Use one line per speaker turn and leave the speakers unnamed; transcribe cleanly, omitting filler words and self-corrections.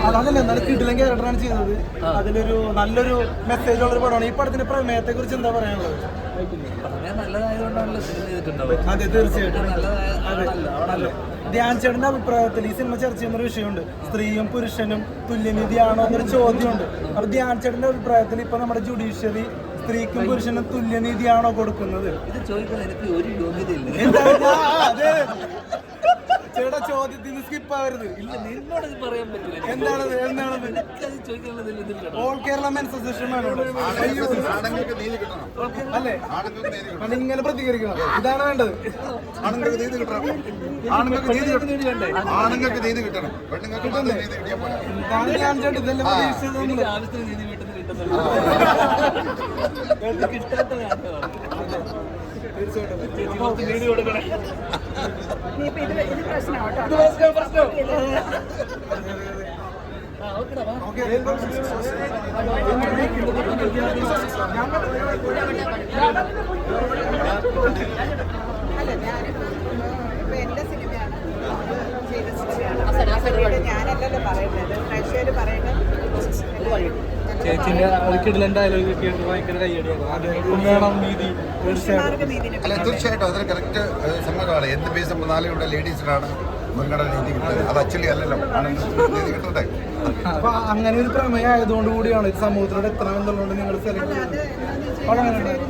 അതല്ല എന്നാലും കിടിലൻ ക്യാരക്ടറാണ് ചെയ്തത്. അതിലൊരു നല്ലൊരു മെസ്സേജ് ഉള്ളൊരു പടമാണ്. ഈ പടത്തിന്റെ പ്രമേയത്തെ കുറിച്ച് എന്താ പറയാനുള്ളത്? അതെ, തീർച്ചയായിട്ടും. അതെ, ധ്യാൻ ചേട്ടന്റെ അഭിപ്രായത്തിൽ ഈ സിനിമ ചർച്ച ചെയ്യുന്ന ഒരു വിഷയമുണ്ട്. സ്ത്രീയും പുരുഷനും തുല്യനീതിയാണോ എന്നൊരു ചോദ്യമുണ്ട്. അപ്പൊ ധ്യാൻ ചേട്ടന്റെ അഭിപ്രായത്തിൽ ഇപ്പൊ നമ്മുടെ ജുഡീഷ്യറി സ്ത്രീക്കും പുരുഷനും തുല്യനീതിയാണോ കൊടുക്കുന്നത്?
ഇത് ചോദിക്കാൻ എനിക്ക് ഒരു യോഗ്യതയില്ല.
ചേട്ടാ ചോദ്യത്തിൽ നിന്ന് സ്കിപ്പ് ആവരുത്.
ഇല്ല, നിന്നോട് ഇത് പറയാൻ പറ്റില്ല.
എന്താണത്?
എനിക്കത് ചോദിക്കാനുള്ളതില്ല.
ഓൾ കേരള മെൻസ് അസോസിയേഷൻ അല്ലേ? കാരണം ഇങ്ങനെ പ്രതികരിക്കണം. ഇതാണ് വേണ്ടത്.
ആണുങ്ങൾക്ക് നീതി കിട്ടണം, ആണുങ്ങൾക്ക് നീതി കിട്ടണം, പെണ്ണുങ്ങൾക്ക് മാത്രം നീതി കിട്ടിയാൽ പോലെ.
ഇതാണ് ഞാൻ ചേട്ടൻ ഇതെല്ലാം പ്രതീക്ഷിച്ചത്.
ആവശ്യത്തിന് നീതി വീട്ടിൽ നിന്ന് കിട്ടുന്നുണ്ട്. കിട്ടാത്ത തീർച്ചയായിട്ടും നീതി കൊടുക്കണേ.
എന്റെ സിനിമയാണ്, ചെയ്ത സിനിമയാണ്. ഞാനല്ലല്ലോ പറയുന്നത്, പ്രേക്ഷകർ പറയുന്നത്.
ചേച്ചിന്റെ കിടിലൻ ഡയലോഗ് കേട്ട് ഭയങ്കര കൈയടിയാണ്. നീതി
അല്ല, തീർച്ചയായിട്ടും അതിന് കറക്റ്റ് സമ്മതമാണ്. എന്ത് ബേസ് നമ്മൾ നാളെയുടെ ലേഡീസിനാണ് മുൻഗണന നീതി കിട്ടുന്നത്. അത് ആക്ച്വലി അല്ലല്ലോ, ആണുങ്ങൾക്ക് നീതി കിട്ടട്ടെ.
അപ്പൊ അങ്ങനെ ഒരു പ്രമേയം ആയതുകൊണ്ട് കൂടിയാണ് ഇത് സമൂഹത്തിലൂടെ എത്തണമെന്നുള്ളത് നിങ്ങൾ സെലക്ട് ചെയ്തത്.